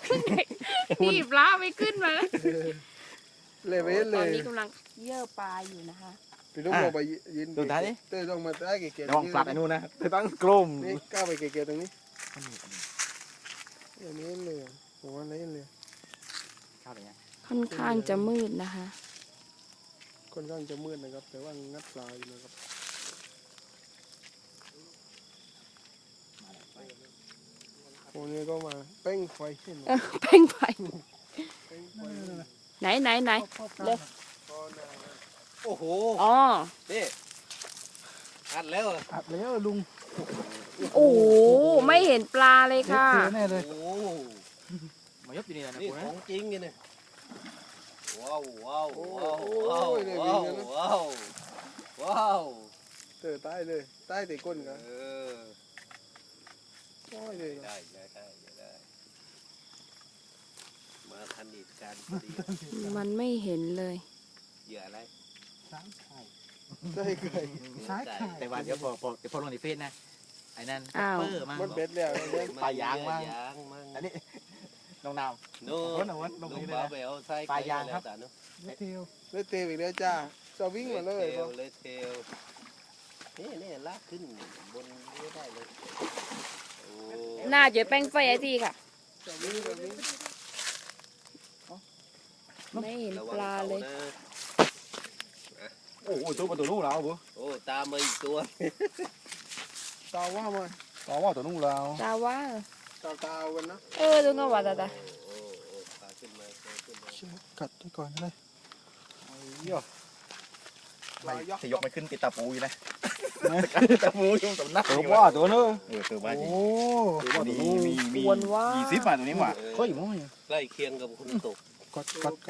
พี่ปลาไม่ขึ้นมาเลยไปตเลอนยนี้กำลังเยื่อปลาอยู่นะคะพี่ต้องลงไปยืนดูท้ายดิเต้ต้องมาใต้เก๋ๆระวังฝากไอ้นู่นนะเธอต้องกลมนี่ก้าวไปเก๋ๆตรงนี้อย่างนี้เลยผมว่านี้เลยข้าวอะไรเงี้ยค่อนข้างจะมืดนะคะค่อนข้างจะมืดนะครับแต่ว่างัดปลาอยู่นะครับโอ้นี่ก็มาเป้งไฟเห็นไหมเพ่งไฟเป้งไฟไหนเลยก็น่าโอ้โหอ๋อนี่อัดแล้วอัดแล้วลุงโอ้โหไม่เห็นปลาเลยค่ะเสียแน่เลยโอ้มายกอยู่นี่นะนี่คุณขนะองจริงไงเนี่ยว้าวว้าวโอ้ว้าวโหว้าวเลยว้าววิ่งกันนะว้าวว้าวเจอใต้เลยใต้แต่ก้นกันเออโอ้ยเลยได้มาทันเหตุการณ์พอดีมันไม่เห็นเลยเหยื่ออะไรสามไข่ใต้ไก่ซ้ายไข่แต่ว่าเดี๋ยวพอลงในเฟซนะไอ้นั่นอ้าวเปอร์มามันเบ็ดแล้วเนี่ยปลายางมั่งยางมั่งอันนี้น้องนาวโน่วนเอาวนลงลุงนี้เลยบ้านะไปเอาไส้ปลายางครับแล้วแต่เนอะเทลเล่เตะอีกแล้วจ้าจะวิ่งมาเลยเทลเลยเทลนี่ลากขึ้นบนนี้ได้เลยโอ้น่าจะแป้งไฟไอ้ที่ค่ะจะวิ่งจะวิ่งไม่เห็นระปวังลาเขาเลยนะโอ้โหตัวประตูนู่นแล้วบุโอ้ตามมาอีกตัวตาว่ามาต่อว่าตัวนู่นแล้วตาว่าตากันนะดูก็ว่าตาโอ้ปลาขึ้นมาปลาขึ้นมากัดไปก่อนเลยไม่ถ้ายกไม่ขึ้นติดตาปูอยู่นะตาปูอยู่ตรงนักตัวว่าตัวเนอะตัวว่าจริงโอ้ตัวนี้มีวนว่า 20 บาทตัวนี้หว่าค่อยมั้งใกล้เคียงกับคนตกกัด